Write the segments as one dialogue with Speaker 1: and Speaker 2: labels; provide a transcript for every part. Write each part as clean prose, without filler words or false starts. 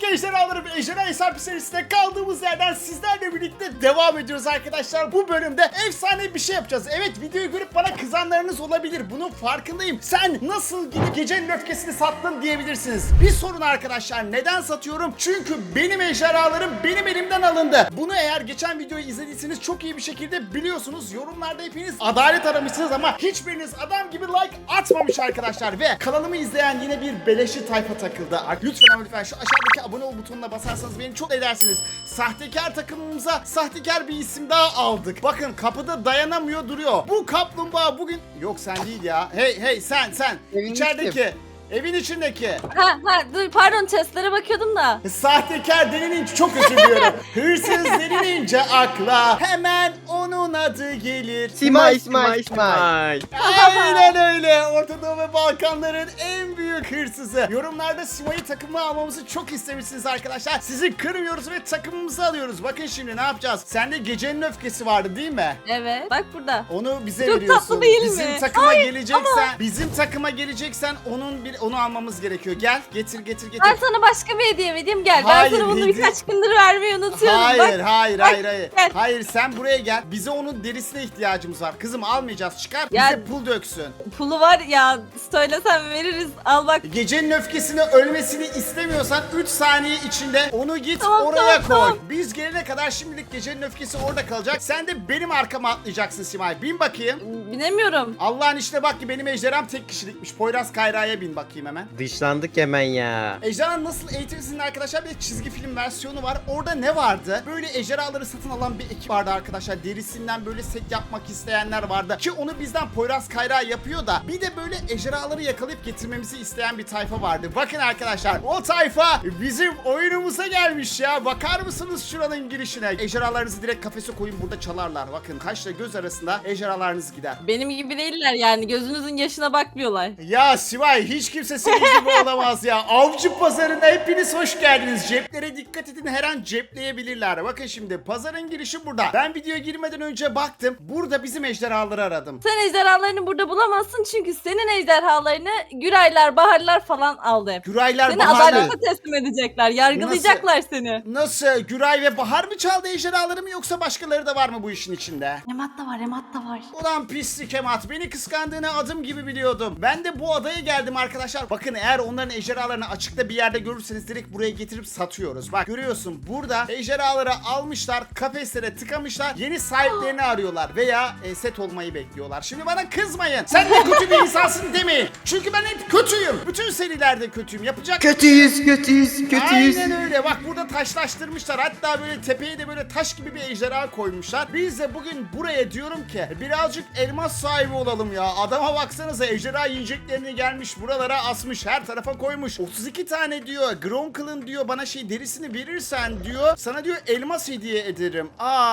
Speaker 1: ejderhalarım, ejderha hesap serisinde kaldığımız yerden sizlerle birlikte devam ediyoruz arkadaşlar. Bu bölümde efsane bir şey yapacağız. Evet, videoyu görüp bana kızanlarınız olabilir. Bunun farkındayım. Sen nasıl gidip gecenin öfkesini sattın diyebilirsiniz. Bir sorun arkadaşlar. Neden satıyorum? Çünkü benim ejderhalarım benim elimden alındı. Bunu eğer geçen videoyu izlediyseniz çok iyi bir şekilde biliyorsunuz. Yorumlarda hepiniz adalet aramışsınız ama hiçbiriniz adam gibi like atmamış arkadaşlar. Ve kanalımı izleyen yine bir beleşi tayfa takıldı. Lütfen ama lütfen şu aşağıdaki abone ol butonuna basarsanız beni çok edersiniz. Sahtekar takımımıza sahtekar bir isim daha aldık. Bakın kapıda dayanamıyor duruyor. Bu kaplumbağa bugün... Yok sen değil ya. Hey sen.
Speaker 2: Evin
Speaker 1: İçerideki. Evin içindeki.
Speaker 3: Dur pardon, chestlere bakıyordum da.
Speaker 1: Sahtekar denilince çok özür diliyorum. Hırsız denilince akla hemen onun adı gelir.
Speaker 2: Simay.
Speaker 1: Aynen öyle. Orta Doğu ve Balkanların en büyük hırsızı. Yorumlarda Simay'ı takımına almamızı çok istemişsiniz arkadaşlar. Sizi kırmıyoruz ve takımımızı alıyoruz. Bakın şimdi ne yapacağız? Sende gecenin öfkesi vardı değil mi?
Speaker 3: Evet, bak burada.
Speaker 1: Onu bize
Speaker 3: Çok
Speaker 1: veriyorsun.
Speaker 3: tatlı değil
Speaker 1: bizim
Speaker 3: mi?
Speaker 1: takıma
Speaker 3: Hayır,
Speaker 1: geleceksen, bizim takıma geleceksen onu almamız gerekiyor. Gel, getir.
Speaker 3: Ben sana başka bir hediye vereyim, gel.
Speaker 1: Hayır,
Speaker 3: ben sana bunu
Speaker 1: hediye-
Speaker 3: birkaç gündür vermeyi unutuyorum.
Speaker 1: Hayır,
Speaker 3: bak.
Speaker 1: hayır.
Speaker 3: Gel.
Speaker 1: Hayır, sen buraya gel. Bize onun derisine ihtiyacımız var. Kızım almayacağız. Çıkar.
Speaker 3: Ya-
Speaker 1: Bize pul döksün.
Speaker 3: Pulu var ya, söylesem veririz. Al bak.
Speaker 1: Gecenin öfkesini ölmesini istemiyorsan 3 saniye içinde onu git
Speaker 3: Tamam,
Speaker 1: oraya
Speaker 3: tamam.
Speaker 1: koy. Biz gelene kadar şimdilik gecenin öfkesi orada kalacak. Sen de benim arkama atlayacaksın Simay. Bin bakayım.
Speaker 3: Bilemiyorum.
Speaker 1: Allah'ın işine bak ki benim ejderham tek kişilikmiş. Poyraz Kayra'ya bin bakayım hemen.
Speaker 2: Dışlandık hemen ya.
Speaker 1: Ejderha nasıl eğitirsinin arkadaşlar bir çizgi film versiyonu var. Orada ne vardı? Böyle ejderhaları satın alan bir ekip vardı arkadaşlar. Derisinden böyle set yapmak isteyenler vardı. Ki onu bizden Poyraz Kayra yapıyor da. Bir de böyle ejderhaları yakalayıp getirmemizi isteyen bir tayfa vardı. Bakın arkadaşlar, o tayfa bizim oyunumuza gelmiş ya. Bakar mısınız şuranın girişine? Ejderhalarınızı direkt kafese koyun, burada çalarlar. Bakın kaşla göz arasında ejderhalarınız gider.
Speaker 3: Benim gibi değiller yani. Gözünüzün yaşına bakmıyorlar.
Speaker 1: Ya Sivay, hiç kimse senin gibi olamaz ya. Avcı pazarına hepiniz hoş geldiniz. Ceplere dikkat edin, her an cepleyebilirler. Bakın şimdi pazarın girişi burada. Ben videoya girmeden önce baktım. Burada bizim ejderhaları aradım.
Speaker 3: Sen ejderhalarını burada bulamazsın çünkü senin ejderhalarını Güraylar, Baharlar falan aldı hep.
Speaker 1: Güraylar,
Speaker 3: Seni
Speaker 1: Baharlar.
Speaker 3: adalete teslim edecekler. Yargılayacaklar seni.
Speaker 1: Nasıl? Güray ve Bahar mı çaldı ejderhaları mı, yoksa başkaları da var mı bu işin içinde?
Speaker 3: Emat da var, Emat da var.
Speaker 1: Ulan pislik Emat, beni kıskandığını adım gibi biliyordum. Ben de bu adaya geldim arkadaşlar. Bakın, eğer onların ejderhalarını açıkta bir yerde görürseniz direkt buraya getirip satıyoruz. Bak görüyorsun, burada ejderhaları almışlar, kafeslere tıkamışlar, yeni sahiplerini arıyorlar veya set olmayı bekliyorlar. Şimdi bana kızmayın, sen de kötü bir insansın demeyin. Çünkü ben hep kötüyüm. Bütün serilerde kötüyüm. Yapacak
Speaker 2: Kötüyüz.
Speaker 1: Aynen öyle. Bak burada taşlaştırmışlar. Hatta böyle tepeye de böyle taş gibi bir ejderha koymuşlar. Biz de bugün buraya diyorum ki birazcık elmas sahibi olalım ya. Adama baksanıza, ejderha yiyeceklerini gelmiş buralara asmış, her tarafa koymuş. 32 tane diyor. Gronkle'ın diyor bana derisini verirsen diyor, sana diyor elmas hediye ederim.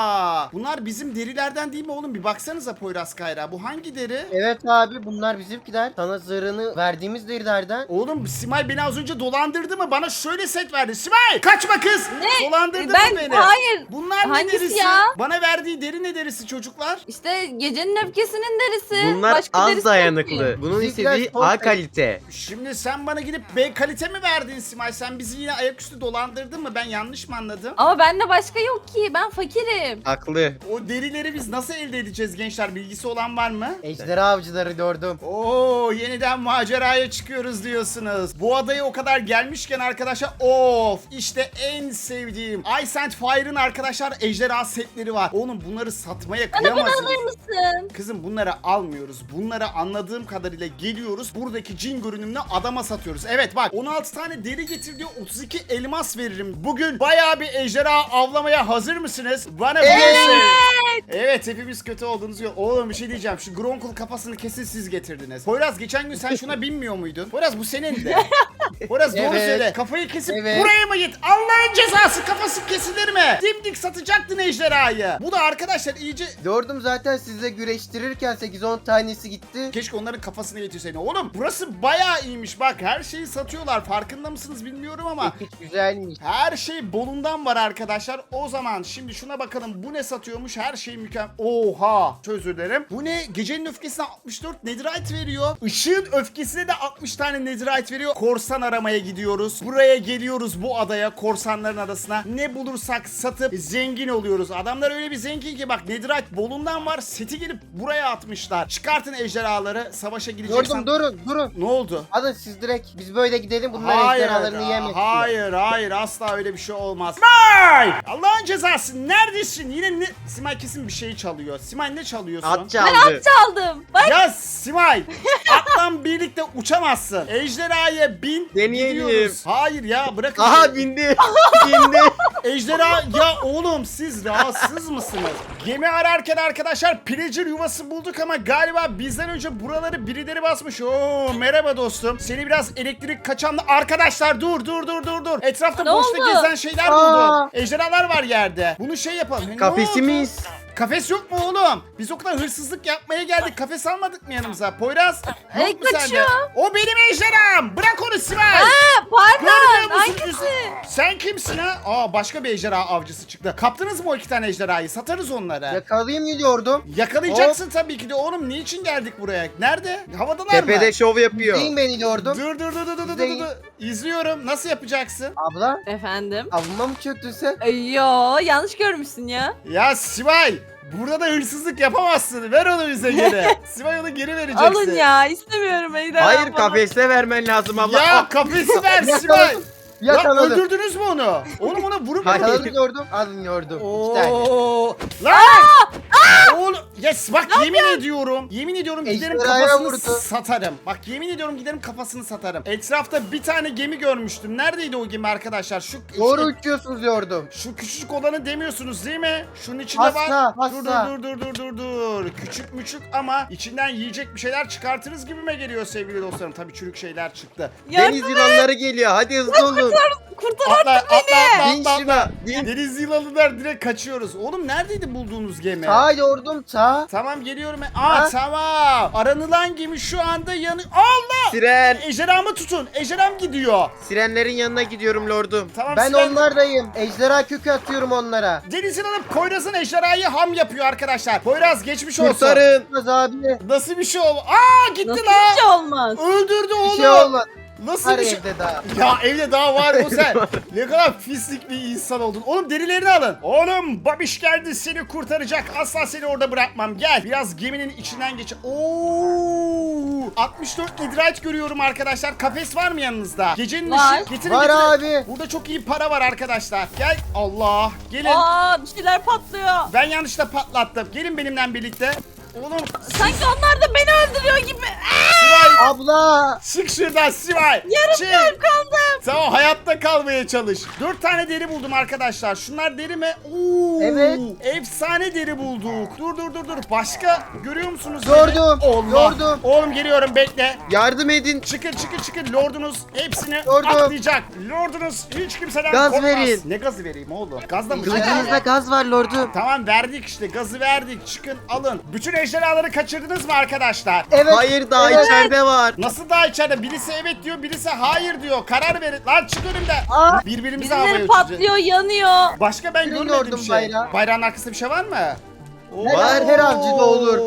Speaker 1: Bunlar bizim derilerden değil mi oğlum? Bir baksanıza Poyraz Kayra. Bu hangi deri?
Speaker 2: Evet abi, bunlar bizimkiler. Sana zırhını verdiğimiz derilerden.
Speaker 1: Oğlum Simay beni az önce dolandırdı mı? Bana şöyle set verdi. Simay kaçma kız.
Speaker 3: Ne?
Speaker 1: Dolandırdı
Speaker 3: Ben-
Speaker 1: mı beni?
Speaker 3: hayır.
Speaker 1: Bunlar ne
Speaker 3: Hangisi
Speaker 1: derisi?
Speaker 3: ya?
Speaker 1: Bana verdiği deri ne derisi çocuklar?
Speaker 3: İşte gecenin öfkesinin derisi.
Speaker 4: Bunlar
Speaker 3: Başka
Speaker 4: az
Speaker 3: derisi yok ki.
Speaker 4: dayanıklı. Bunun
Speaker 2: Bizimkiler
Speaker 4: istediği
Speaker 2: son
Speaker 4: A kalite.
Speaker 1: Şimdi sen bana gidip B kalite mi verdin Simay? Sen bizi yine ayaküstü dolandırdın mı? Ben yanlış mı anladım?
Speaker 3: Ama bende başka yok ki. Ben fakirim.
Speaker 4: Haklı.
Speaker 1: O derileri biz nasıl elde edeceğiz gençler? Bilgisi olan var mı?
Speaker 2: Ejderha avcıları gördüm.
Speaker 1: Oo, yeniden maceraya çıkıyoruz diyorsunuz. Bu adaya o kadar gelmişken arkadaşlar, işte en sevdiğim Ice and Fire'ın arkadaşlar ejderha setleri var. Oğlum bunları satmaya
Speaker 3: Bana bunu
Speaker 1: kıyamazsınız.
Speaker 3: alır mısın?
Speaker 1: Kızım bunları almıyoruz. Bunları anladığım kadarıyla geliyoruz. Buradaki cin görünümlü adama satıyoruz. Evet bak, 16 tane deri getir diyor, 32 elmas veririm. Bugün bayağı bir ejderha avlamaya hazır mısınız? Bana Evet, hepimiz kötü olduğunuz yok. Oğlum bir şey diyeceğim. Şu Gronkle kafasını kesin siz getirdiniz. Poyraz geçen gün sen şuna binmiyor muydun? Poyraz bu senin de. Poyraz doğru
Speaker 2: Evet.
Speaker 1: söyle. Kafayı kesip
Speaker 2: Evet.
Speaker 1: buraya mı git? Allah'ın cezası, kafası kesilir mi? Dimdik satacaktın ejderhayı. Bu da arkadaşlar iyice...
Speaker 2: Gördüm zaten, sizle güreştirirken 8-10 tanesi gitti.
Speaker 1: Keşke onların kafasını getirseydin. Oğlum burası bayağı iyiymiş. Bak her şeyi satıyorlar. Farkında mısınız bilmiyorum ama.
Speaker 2: Hiç güzelmiş.
Speaker 1: Her şey bolundan var arkadaşlar. O zaman şimdi şuna bakalım. Bu ne satıyormuş? Her şey mükemmel. Oha. Çok özür dilerim. Bu ne? Gecenin öfkesine 64 netherite veriyor. Işığın öfkesine de 60 tane netherite veriyor. Korsan aramaya gidiyoruz. Buraya geliyoruz, bu adaya, korsanların adasına. Ne bulursak satıp zengin oluyoruz. Adamlar öyle bir zengin ki bak, Netherite bolundan var. Seti gelip buraya atmışlar. Çıkartın ejderhaları. Savaşa gireceksen.
Speaker 2: Durun.
Speaker 1: Ne oldu?
Speaker 2: Alın siz direkt. Biz böyle gidelim. Bunlar ejderhalarını yemek.
Speaker 1: Hayır asla öyle bir şey olmaz. Simay! Allah'ın cezası, neredesin? Yine ne? Simay kesin bir şey çalıyor. Simay ne çalıyorsun?
Speaker 2: At
Speaker 3: Ben
Speaker 2: çaldı.
Speaker 3: at çaldım. Bak
Speaker 1: Ya Simay, atla birlikte uçamazsın. Ejderhaya bin,
Speaker 2: Deneyelim.
Speaker 1: gidiyoruz. Hayır ya, bırakın.
Speaker 2: Aha bindi. Bindi.
Speaker 1: Ejderha ya oğlum, siz rahatsız mısınız? Gemi ararken arkadaşlar pillager yuvası bulduk ama galiba bizden önce buraları birileri basmış. Oo merhaba dostum. Seni biraz elektrik kaçanlı arkadaşlar, dur. Etrafta
Speaker 3: Ne
Speaker 1: boşta
Speaker 3: oldu?
Speaker 1: gezen şeyler buldum. Ejderhalar var yerde. Bunu şey yapalım. Ne
Speaker 2: Kafesimiz.
Speaker 1: oldu? Kafes yok mu oğlum? Biz o kadar hırsızlık yapmaya geldik. Kafes almadık mı yanımıza? Poyraz, yok mu sende?
Speaker 3: kaçıyor.
Speaker 1: O benim ejderham. Bırak onu Simay.
Speaker 3: pardon.
Speaker 1: Görmüyor musun?
Speaker 3: Hangisi?
Speaker 1: Sen kimsin ha? Aa, başka bir ejderha avcısı çıktı. Kaptınız mı o 2 tane ejderhayı? Satarız onları.
Speaker 2: Yakalayayım gidiyordum.
Speaker 1: Yakalayacaksın tabii ki de oğlum. Niçin geldik buraya? Nerede? Havadalar
Speaker 2: Tepede
Speaker 1: mı?
Speaker 2: şov yapıyor. Değil ben gidiyordum.
Speaker 1: Dur.
Speaker 2: Değil.
Speaker 1: İzliyorum. Nasıl yapacaksın?
Speaker 2: Abla.
Speaker 3: Efendim?
Speaker 2: Avluma mı çöktün sen?
Speaker 3: Yo yanlış görmüşsün ya.
Speaker 1: Ya Sivay, burada da hırsızlık yapamazsın. Ver onu bize geri. Sivay, onu geri vereceksin.
Speaker 3: Alın ya istemiyorum ejderha.
Speaker 2: Hayır
Speaker 3: falan.
Speaker 2: kafeste vermen lazım abla.
Speaker 1: Ya kafesi ver Sivay.
Speaker 2: Yakaladım.
Speaker 1: Lan
Speaker 2: Yakaladım.
Speaker 1: öldürdünüz mü onu? Oğlum ona vurup
Speaker 2: Yakaladım yordum. Alın yordum. 2 tane.
Speaker 1: Oo. Lan! Oğlum yes, bak yemin ediyorum giderim
Speaker 2: Ejderhaya
Speaker 1: kafasını
Speaker 2: vurdu.
Speaker 1: satarım. Bak yemin ediyorum giderim kafasını satarım. Etrafta bir tane gemi görmüştüm. Neredeydi o gemi arkadaşlar?
Speaker 2: Doğru uçuyorsunuz yordum.
Speaker 1: Şu küçücük olanı demiyorsunuz değil mi? Şunun içinde
Speaker 2: Hasta,
Speaker 1: var.
Speaker 2: hasta.
Speaker 1: Dur. Küçük müçük ama içinden yiyecek bir şeyler çıkartırız gibime geliyor sevgili dostlarım. Tabii çürük şeyler çıktı.
Speaker 2: Deniz yılanları geliyor. Hadi hızlı olun.
Speaker 3: Kurtar.
Speaker 2: Bin şuna. Bin.
Speaker 1: Deniz yılanlar, direkt kaçıyoruz. Oğlum neredeydi bulduğunuz gemi?
Speaker 2: Sağ yordum sağ.
Speaker 1: Tamam geliyorum.
Speaker 2: Ha?
Speaker 1: Tamam. Aranılan gemi şu anda Allah!
Speaker 2: Siren.
Speaker 1: Ejderhamı tutun. Ejderham gidiyor.
Speaker 2: Sirenlerin yanına gidiyorum lordum.
Speaker 1: Tamam.
Speaker 2: Ben
Speaker 1: Siren-
Speaker 2: onlardayım. Ejderha kökü atıyorum onlara.
Speaker 1: Deniz yılanı Poyraz'ın ejderhayı ham yapıyor arkadaşlar. Poyraz geçmiş olsun.
Speaker 2: Kurtarın. Kız abi.
Speaker 1: Nasıl bir şey oldu? Aa gitti
Speaker 3: Nasıl
Speaker 1: lan.
Speaker 3: bir şey olmaz?
Speaker 1: Öldürdü
Speaker 2: Bir
Speaker 1: oğlum.
Speaker 2: şey olmadı.
Speaker 1: Nasıl
Speaker 2: Var
Speaker 1: bir şey?
Speaker 2: evde daha.
Speaker 1: Ya evde daha var o sen. Ne kadar pislik bir insan oldun. Oğlum derilerini alın. Oğlum babiş geldi, seni kurtaracak. Asla seni orada bırakmam. Gel. Biraz geminin içinden geç. Oo! 64 netherite görüyorum arkadaşlar. Kafes var mı yanınızda? Gecenin
Speaker 3: Var.
Speaker 1: ışığı. Getirin,
Speaker 2: Var
Speaker 1: getirin.
Speaker 2: abi.
Speaker 1: Burada çok iyi para var arkadaşlar. Gel. Allah. Gelin.
Speaker 3: Aa bir şeyler patlıyor.
Speaker 1: Ben yanlışla patlattım. Gelin benimle birlikte. Oğlum
Speaker 3: Sanki onlar da beni öldürüyor gibi.
Speaker 1: Sivay.
Speaker 2: Abla.
Speaker 1: Çık şuradan Sivay. Çık.
Speaker 3: Kaldım.
Speaker 1: Tamam, hayatta kalmaya çalış. 4 tane deri buldum arkadaşlar. Şunlar deri mi? Oo,
Speaker 2: Evet.
Speaker 1: Efsane deri bulduk. Dur. Başka görüyor musunuz?
Speaker 2: Gördüm,
Speaker 1: Allah.
Speaker 2: gördüm.
Speaker 1: Oğlum geliyorum, bekle.
Speaker 2: Yardım edin.
Speaker 1: Çıkın. Lordunuz hepsini
Speaker 2: Gördüm.
Speaker 1: atlayacak. Lordunuz hiç kimseden
Speaker 2: Gaz
Speaker 1: korkmaz.
Speaker 2: verin.
Speaker 1: Ne gazı vereyim oğlum? Gazla mı?
Speaker 2: Kılıcınızda gaz var lordum.
Speaker 1: Tamam, verdik işte. Gazı verdik. Çıkın, alın. Bütün ejderhaları kaçırdınız mı arkadaşlar?
Speaker 2: Evet.
Speaker 4: Hayır daha
Speaker 2: Evet.
Speaker 4: içeride var.
Speaker 1: Nasıl daha içeride? Birisi evet diyor, birisi hayır diyor. Karar verin. Lan çık önümden.
Speaker 2: Aa.
Speaker 1: Birbirimize havaya
Speaker 3: Birileri
Speaker 1: uçacağız.
Speaker 3: patlıyor, yanıyor.
Speaker 1: Başka ben
Speaker 2: Birini
Speaker 1: görmedim
Speaker 2: gördüm
Speaker 1: şey.
Speaker 2: bayrağı.
Speaker 1: Bayrağın arkasında bir şey var mı?
Speaker 2: Var, her avcıda olur.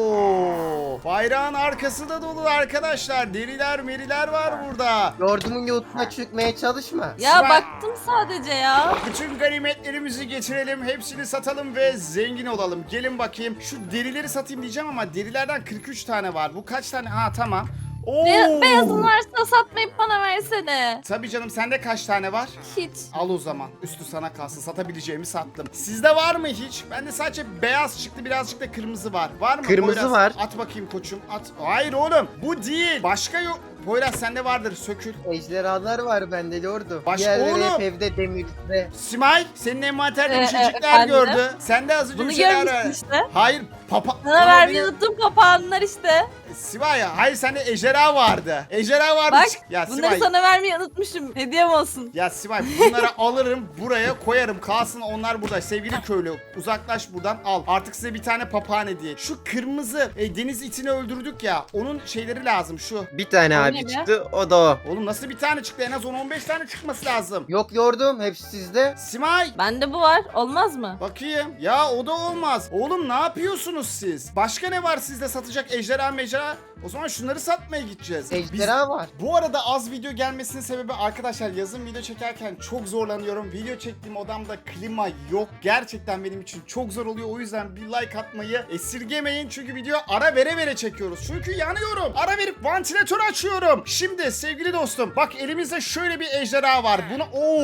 Speaker 1: Bayrağın arkası da dolu arkadaşlar. Deriler meriler var burada.
Speaker 2: Yordumun yoluna çıkmaya çalışma.
Speaker 3: Ya
Speaker 1: Sıra-
Speaker 3: baktım sadece ya.
Speaker 1: Bütün ganimetlerimizi getirelim, hepsini satalım ve zengin olalım. Gelin bakayım. Şu derileri satayım diyeceğim ama derilerden 43 tane var. Bu kaç tane? Ha tamam. Oo.
Speaker 3: Beyazın varsa satmayıp bana versene.
Speaker 1: Tabii canım, sende kaç tane var?
Speaker 3: Hiç.
Speaker 1: Al o zaman. Üstü sana kalsın. Satabileceğimi sattım. Sizde var mı hiç? Bende sadece beyaz çıktı, birazcık da kırmızı var. Var mı?
Speaker 2: Kırmızı
Speaker 1: Poyraz?
Speaker 2: var.
Speaker 1: At bakayım koçum. At. Hayır oğlum. Bu değil. Başka yok. Poyraz sende vardır. Sökül.
Speaker 2: Ejderhalar var bende lordum.
Speaker 1: Baş-
Speaker 2: Diğerleri
Speaker 1: Oğlum.
Speaker 2: hep evde demirde.
Speaker 1: Simay, senin envanterde bir şeycikler
Speaker 3: efendim?
Speaker 1: gördü. Sende az önce
Speaker 3: Bunu
Speaker 1: bir şeyler
Speaker 3: görmüşsün
Speaker 1: var.
Speaker 3: işte.
Speaker 1: Hayır. Papa.
Speaker 3: Sana vermeyi unuttum papağanlar işte.
Speaker 1: Simay, hayır sende ejderha vardı. Ejderha vardı.
Speaker 3: Bak
Speaker 1: Ya
Speaker 3: bunları
Speaker 1: Simay.
Speaker 3: sana vermeyi unutmuşum. Hediyem olsun.
Speaker 1: Ya Simay, bunları alırım, buraya koyarım, kalsın onlar burada. Sevgili köylü, uzaklaş buradan, al. Artık size bir tane papağan hediye. Şu kırmızı deniz itini öldürdük ya, onun şeyleri lazım şu.
Speaker 4: Bir tane
Speaker 3: O
Speaker 4: abi
Speaker 3: ne be?
Speaker 4: çıktı o da o.
Speaker 1: Oğlum nasıl bir tane çıktı? En az 10-15 tane çıkması lazım.
Speaker 2: Yok lordum hepsi sizde.
Speaker 1: Simay,
Speaker 3: Bende bu var. Olmaz mı?
Speaker 1: bakayım. Ya o da olmaz. Oğlum ne yapıyorsunuz? musunuz siz? Başka ne var sizde satacak ejderha mecra? O zaman şunları satmaya gideceğiz.
Speaker 2: Ejderha var.
Speaker 1: Bu arada az video gelmesinin sebebi arkadaşlar yazın video çekerken çok zorlanıyorum. Video çektiğim odamda klima yok. Gerçekten benim için çok zor oluyor. O yüzden bir like atmayı esirgemeyin. Çünkü video ara vere vere çekiyoruz. Çünkü yanıyorum. Ara verip vantilatör açıyorum. Şimdi sevgili dostum bak elimizde şöyle bir ejderha var. Bunu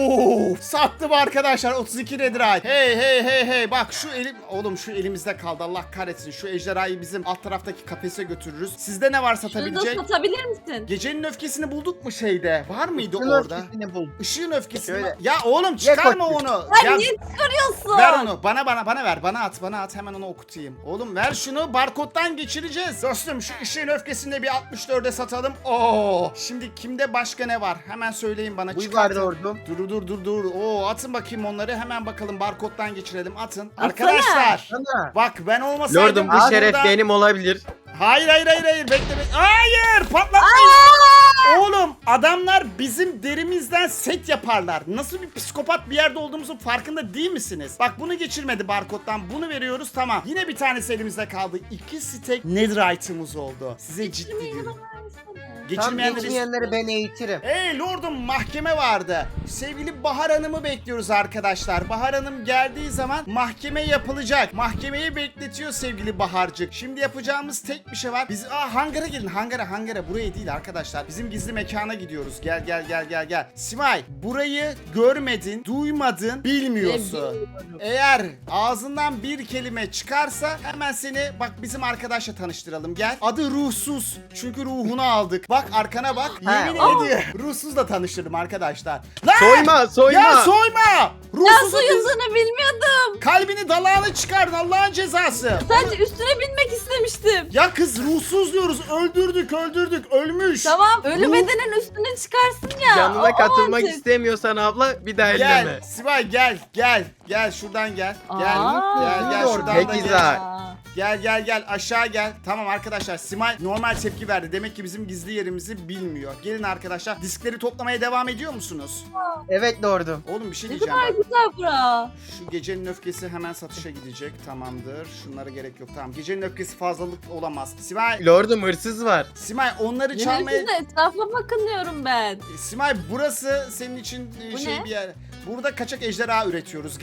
Speaker 1: sattım arkadaşlar 32 netherite. Hey bak şu elim oğlum şu elimizde kaldı. Allah kahretsin. Şu ejderhayı bizim alt taraftaki kafese götürürüz. Sizde ne var
Speaker 3: Şunu da
Speaker 1: satabilecek?
Speaker 3: satabilir misin?
Speaker 1: Gecenin öfkesini bulduk mu şeyde? Var mıydı
Speaker 2: Işığın
Speaker 1: orada?
Speaker 2: öfkesini bul.
Speaker 1: Işığın öfkesi mi?
Speaker 2: Şöyle.
Speaker 1: Ya oğlum çıkarma
Speaker 2: koy.
Speaker 1: onu.
Speaker 3: Sen
Speaker 1: Ya,
Speaker 3: niye çıkarıyorsun?
Speaker 1: ver onu. Bana ver. Bana at. Hemen onu okutayım. Oğlum ver şunu. Barkoddan geçireceğiz. Dostum şu ışığın öfkesini de bir 64'e satalım. Oo. Şimdi kimde başka ne var? Hemen söyleyin bana.
Speaker 2: Bu var
Speaker 1: Çıkartın.
Speaker 2: lordum.
Speaker 1: Dur. Oo atın bakayım onları. Hemen bakalım barkoddan geçirelim. Atın.
Speaker 3: Atsana.
Speaker 1: Arkadaşlar.
Speaker 2: Sana.
Speaker 1: Bak ben olmasaydım.
Speaker 4: Lordum bu
Speaker 1: burada-
Speaker 4: şeref benim olabilir.
Speaker 1: Hayır. Bekle. Hayır patlatmayın. Oğlum adamlar bizim derimizden set yaparlar. Nasıl bir psikopat bir yerde olduğumuzun farkında değil misiniz? Bak bunu geçirmedi barkoddan. Bunu veriyoruz tamam. Yine bir tanesi elimizde kaldı. 2 stack netherite'ımız oldu. Size ciddi diyorum.
Speaker 2: Tam
Speaker 1: Geçirmeyenleri...
Speaker 2: geçmeyenleri ben eğitirim.
Speaker 1: Hey lordum mahkeme vardı. Sevgili Bahar Hanım'ı bekliyoruz arkadaşlar. Bahar Hanım geldiği zaman mahkeme yapılacak. Mahkemeyi bekletiyor sevgili Baharcık. Şimdi yapacağımız tek bir şey var. Biz hangara gelin hangara. Buraya değil arkadaşlar. Bizim gizli mekana gidiyoruz. Gel. Simay burayı görmedin, duymadın, bilmiyorsun. Eğer ağzından bir kelime çıkarsa hemen seni bak bizim arkadaşla tanıştıralım gel. Adı Ruhsuz. Çünkü ruhunu aldık. Bak arkana bak. Yemin ediyorum. Ruhsuzla tanıştırdım arkadaşlar. Lan!
Speaker 4: Soyma.
Speaker 1: Ya soyma!
Speaker 3: Ya
Speaker 1: Ruhsuzun
Speaker 3: soyulduğunu bilmiyordum.
Speaker 1: kalbini dalağını çıkardın Allah'ın cezası.
Speaker 3: Sadece üstüne binmek istemiştim.
Speaker 1: Ya kız ruhsuz diyoruz. Öldürdük. Ölmüş.
Speaker 3: Tamam ölü
Speaker 1: Ruh-
Speaker 3: bedenin üstüne çıkarsın ya.
Speaker 4: Yanına
Speaker 3: O
Speaker 4: katılmak
Speaker 3: mantık.
Speaker 4: istemiyorsan abla bir daha
Speaker 1: Gel.
Speaker 4: elleme.
Speaker 1: Sibel gel şuradan gel. Gel.
Speaker 3: Aa.
Speaker 1: Gel şuradan da
Speaker 4: Peki,
Speaker 1: gel.
Speaker 4: güzel.
Speaker 1: Gel aşağı gel. Tamam arkadaşlar Simay normal tepki verdi. Demek ki bizim gizli yerimizi bilmiyor. Gelin arkadaşlar diskleri toplamaya devam ediyor musunuz?
Speaker 2: Evet lordum.
Speaker 1: Oğlum bir şey
Speaker 3: Ne
Speaker 1: diyeceğim
Speaker 3: kadar
Speaker 1: bak.
Speaker 3: güzel bura.
Speaker 1: Şu gecenin öfkesi hemen satışa gidecek. Tamamdır. Şunlara gerek yok. Tamam. Gecenin öfkesi fazlalık olamaz.
Speaker 4: Lordum hırsız var.
Speaker 1: Simay onları çalmaya...
Speaker 3: Yine etrafa bakınıyorum ben.
Speaker 1: Simay burası senin için
Speaker 3: Bu
Speaker 1: şey
Speaker 3: ne?
Speaker 1: bir yer. Burada kaçak ejderha üretiyoruz.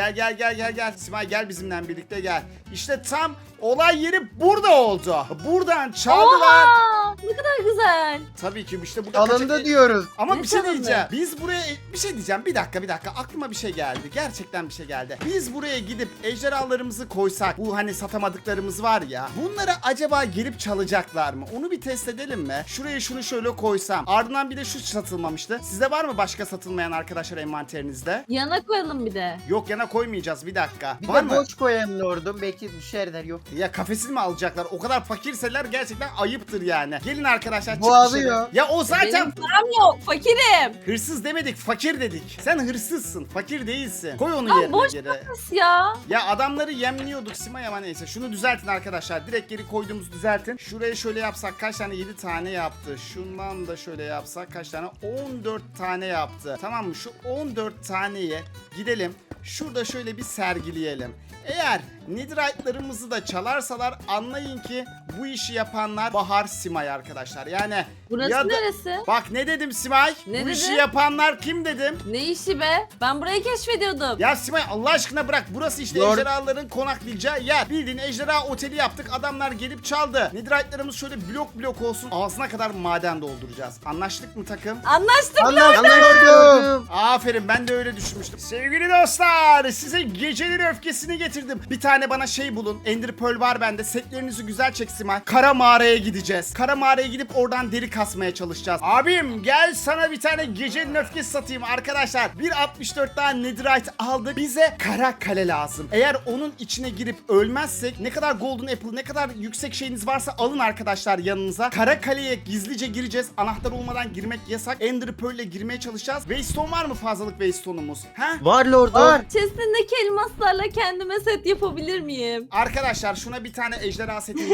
Speaker 1: Gel. Simay gel bizimle birlikte gel. İşte tam olay yeri burada oldu. Buradan çaldılar.
Speaker 3: Oha! Ne kadar güzel.
Speaker 1: Tabii ki işte burada
Speaker 2: Alındı
Speaker 1: kaçak...
Speaker 2: diyoruz.
Speaker 1: Ama
Speaker 3: Ne
Speaker 1: bir şey
Speaker 3: çalındı?
Speaker 1: diyeceğim. Biz buraya bir şey diyeceğim. Bir dakika. Aklıma bir şey geldi. Gerçekten bir şey geldi. Biz buraya gidip ejderhalarımızı koysak, bu hani satamadıklarımız var ya. Bunları acaba gelip çalacaklar mı? Onu bir test edelim mi? Şuraya şunu şöyle koysam. Ardından bir de şu satılmamıştı. Sizde var mı başka satılmayan arkadaşlar envanterinizde?
Speaker 3: Yana koyalım bir de.
Speaker 1: Yok yana koymayacağız bir dakika.
Speaker 2: Bir
Speaker 1: Var
Speaker 2: de
Speaker 1: mı?
Speaker 2: boş koyalım lordum. Belki düşerler yok.
Speaker 1: Ya kafesini mi alacaklar? O kadar fakirseler gerçekten ayıptır yani. Gelin arkadaşlar.
Speaker 2: Bu
Speaker 1: çık
Speaker 2: alıyor.
Speaker 1: dışarı. Ya o zaten
Speaker 3: Benim param yok. Fakirim.
Speaker 1: hırsız demedik, fakir dedik. Sen hırsızsın, fakir değilsin. Koy onu
Speaker 3: Lan
Speaker 1: yerine
Speaker 3: boş
Speaker 1: geri.
Speaker 3: kafes ya.
Speaker 1: Ya adamları yemliyorduk Simay ama neyse. Şunu düzeltin arkadaşlar. Direkt geri koyduğumuzu düzeltin. Şuraya şöyle yapsak kaç tane? 7 tane yaptı. Şundan da şöyle yapsak kaç tane? 14 tane yaptı. Tamam mı? Şu 14 taneye gidelim. Şurada şöyle bir sergileyelim. Eğer netherite'larımızı da çalarsalar anlayın ki bu işi yapanlar Bahar Simay arkadaşlar. Yani
Speaker 3: Burası
Speaker 1: ya da-
Speaker 3: neresi?
Speaker 1: Bak ne dedim Simay?
Speaker 3: Ne
Speaker 1: bu işi
Speaker 3: dedin?
Speaker 1: yapanlar kim dedim?
Speaker 3: Ne işi be? Ben burayı keşfediyordum.
Speaker 1: Ya Simay Allah aşkına bırak. Burası işte
Speaker 2: Lord-
Speaker 1: ejderhaların konaklayacağı yer. Bildiğin ejderha oteli yaptık. Adamlar gelip çaldı. Netherite'larımız şöyle blok olsun. Ağzına kadar maden dolduracağız. Anlaştık mı takım?
Speaker 3: Anlaştık.
Speaker 2: Anlaştık lordum.
Speaker 1: Aferin ben de öyle düşünmüştüm. Sevgili dostlar size gecenin öfkesini getirdim. Bir tane bana şey bulun. Ender Pearl var bende. Setlerinizi güzel çek Simay. Kara mağaraya gideceğiz. Kara mağaraya gidip oradan deri kasmaya çalışacağız. Abim gel sana bir tane gecenin öfkesi satayım arkadaşlar. Bir 64 tane netherite aldık. Bize kara kale lazım. Eğer onun içine girip ölmezsek ne kadar golden apple ne kadar yüksek şeyiniz varsa alın arkadaşlar yanınıza. Kara kaleye gizlice gireceğiz. Anahtar olmadan girmek yasak. Ender Pearl ile girmeye çalışacağız. Waystone var mı fazlalık Waystone'umuz? Ha?
Speaker 4: Var lordum.
Speaker 2: Var.
Speaker 3: Chest'indeki elmaslarla kendime set yapabilir miyim?
Speaker 1: Arkadaşlar şuna bir tane ejderha seti hediye
Speaker 2: Ya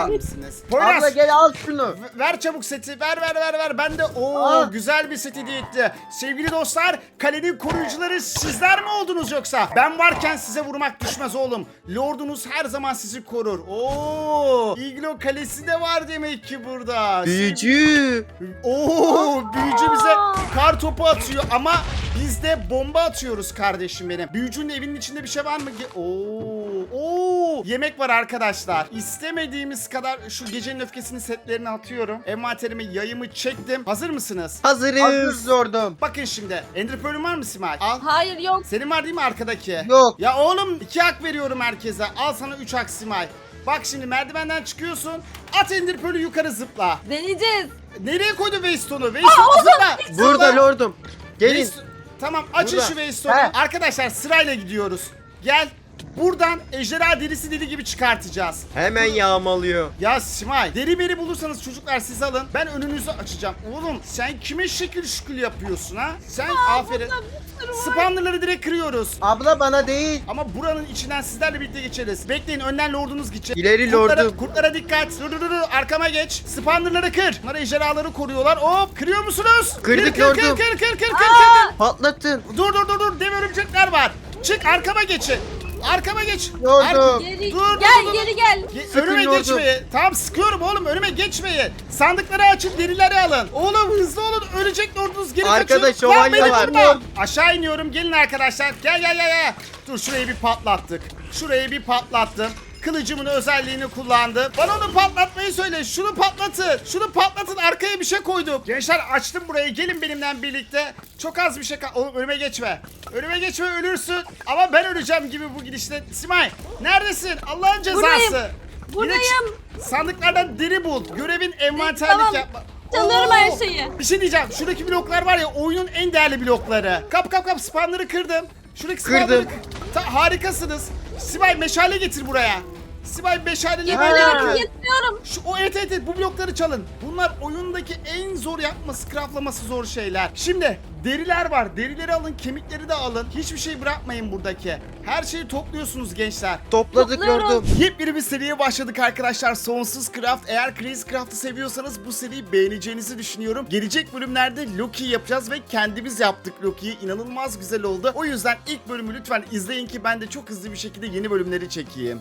Speaker 1: bakar mısınız? Poyraz.
Speaker 2: Abla gel al şunu.
Speaker 1: Ver çabuk seti. Ver. Ben de
Speaker 2: Aa.
Speaker 1: güzel bir set hediye etti. Sevgili dostlar, kalenin koruyucuları sizler mi oldunuz yoksa? Ben varken size vurmak düşmez oğlum. Lordunuz her zaman sizi korur. İglo kalesi de var demek ki burada.
Speaker 4: Büyücü.
Speaker 1: Büyücü bize kar topu atıyor ama biz de bomba atıyoruz kardeşim benim. Büyücünün evinin içinde bir şey var mı? Yemek var arkadaşlar. İstemediğimiz kadar şu gecenin öfkesini setlerini atıyorum. Envanterime yayımı çektim. Hazır mısınız?
Speaker 4: Hazırız.
Speaker 2: Hazır Lordum.
Speaker 1: Bakın şimdi. Ender Pearl'ün var mı Simay? Al.
Speaker 3: Hayır yok.
Speaker 1: Senin var değil mi arkadaki?
Speaker 2: Yok.
Speaker 1: Ya oğlum 2 hak veriyorum herkese. Al sana 3 hak Simay. Bak şimdi merdivenden çıkıyorsun. At Ender Pearl'ü yukarı zıpla.
Speaker 3: Deneyeceğiz.
Speaker 1: Nereye koydu Waystone'u? Waystone'u zıpla.
Speaker 4: Burada
Speaker 1: Zıpla.
Speaker 4: lordum. Gelin.
Speaker 1: Tamam açın
Speaker 2: Burada.
Speaker 1: şu Waystone'u.
Speaker 2: He.
Speaker 1: Arkadaşlar sırayla gidiyoruz. Gel. Buradan ejderha derisi deli gibi çıkartacağız.
Speaker 4: Hemen yağmalıyor.
Speaker 1: Ya Simay, deri beri bulursanız çocuklar siz alın. Ben önünüzü açacağım. Oğlum sen kime şekil şükül yapıyorsun ha? Sen aferin. Spawnerları direkt kırıyoruz.
Speaker 2: Abla bana değil.
Speaker 1: Ama buranın içinden sizlerle birlikte geçeriz. Bekleyin, önden lordunuz gidecek.
Speaker 4: İleri
Speaker 1: Kurtlara-
Speaker 4: lordum.
Speaker 1: Kurtlara dikkat. Dur. Arkama geç. Spawnerları kır. Bunlar ejderhaları koruyorlar. Hop, kırıyor musunuz?
Speaker 4: Kırdık
Speaker 1: kır,
Speaker 4: lordum.
Speaker 1: Kır.
Speaker 4: Patlatın.
Speaker 1: Dur. Dev örümcekler var. Çık, arkama geçin. Arkama geç.
Speaker 2: Lordum.
Speaker 3: Geri
Speaker 1: Dur,
Speaker 3: gel
Speaker 1: dur.
Speaker 3: geri gel.
Speaker 1: Önüme
Speaker 4: lordum.
Speaker 1: geçmeyin. Tamam sıkıyorum oğlum, önüme geçmeyin. Sandıkları açın, derileri alın. Oğlum hızlı olun, ölecek lordunuz, geri
Speaker 4: Arkada
Speaker 1: kaçın. Lan
Speaker 4: şövalye
Speaker 1: beni
Speaker 4: var.
Speaker 1: vurma. Aşağı iniyorum, gelin arkadaşlar. Gel. Dur şurayı bir patlattık. Şurayı bir patlattım. Kılıcımın özelliğini kullandım. Bana onu patlatmayı söyle. Şunu patlatın. Arkaya bir şey koydum. Gençler açtım burayı. Gelin benimle birlikte. Çok az bir şey Oğlum önüme geçme. Ölürsün. Ama ben öleceğim gibi bu gidişle. Simay neredesin? Allah'ın cezası.
Speaker 3: Buradayım.
Speaker 1: Yine
Speaker 3: Buradayım.
Speaker 1: sandıklardan deri bul. Görevin envanterlik
Speaker 3: Tamam.
Speaker 1: yapma.
Speaker 3: Çalıyorum her şeyi.
Speaker 1: Bir şey diyeceğim. Şuradaki bloklar var ya, oyunun en değerli blokları. Kap spawnları kırdım. Şuradaki spawnları harikasınız. Sibel meşale getir buraya. Sibel meşaleleri böyle
Speaker 3: Getiriyorum
Speaker 1: yapıyor.
Speaker 3: getiriyorum.
Speaker 1: Evet bu blokları çalın. Bunlar oyundaki en zor yapması, craftlaması zor şeyler. Şimdi deriler var. Derileri alın, kemikleri de alın. Hiçbir şey bırakmayın buradaki. Her şeyi topluyorsunuz gençler.
Speaker 4: Topladık
Speaker 3: Topluyorum.
Speaker 4: lordum.
Speaker 1: Yepyeni bir seriye başladık arkadaşlar. Sonsuz Craft. Eğer Crazy Craft'ı seviyorsanız bu seriyi beğeneceğinizi düşünüyorum. Gelecek bölümlerde Loki yapacağız ve kendimiz yaptık Loki'yi. İnanılmaz güzel oldu. O yüzden ilk bölümü lütfen izleyin ki ben de çok hızlı bir şekilde yeni bölümleri çekeyim.